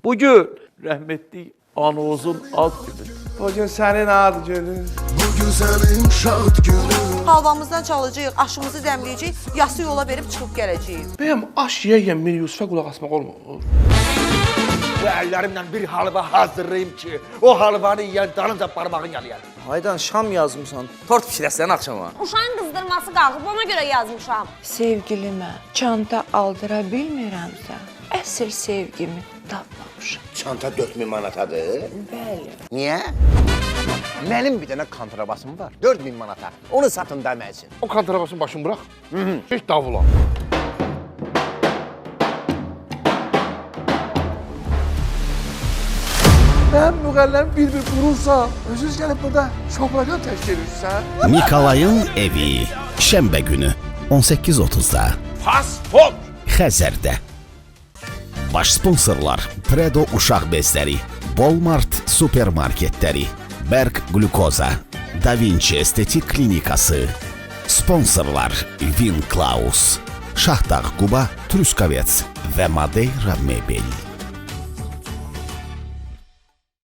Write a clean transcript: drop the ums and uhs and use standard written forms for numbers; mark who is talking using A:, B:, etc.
A: Bugün rəhmətli Anozun ad günü.
B: Bugün sənin ad günün.
C: Bugün sənin şad günün.
D: Halvamızdan çalacağıq, aşımızı dəmləyəcəyik, yası yola verib çıxıb gələcəyik.
B: Bəyəm aş yeyən Mir Yusufə qulaq asmaq olmur.
E: Bu əllərimlə bir halva hazırlayım ki, o halvanı yiyən dalınca parmağın yalayar.
F: Haydan şam yazmışsan, tort pişirəsən axşama.
G: Uşağın qızdırması qalxıb, ona görə yazmışam.
H: Sevgilimə çanta aldıra bilmirəmsə, əsl sevgimi tapmamışam.
E: Çanta 4000 manatadır.
H: Bəli.
E: Niyə? Mənim bir dənə kontrabasım var, 4000 manata. Onu satın demək üçün.
B: O kontrabasın başını bırax. Heç davula. Mənim müğəlləm bir-bir vurursa, özünüz gəlib burada şobrakan təşkil edirsən.
I: Nikolayın evi. Şənbə günü 18:30-da.
B: Fast food.
I: Xəzərdə. Baş sponsorlar Predo uşaq bezləri, Walmart supermarketləri, Berg Glukoza, Da Vinci Estetik Klinikası. Sponsorlar Vin Klaus, Şahdağ Quba, Truskavets və Madeira Mebel.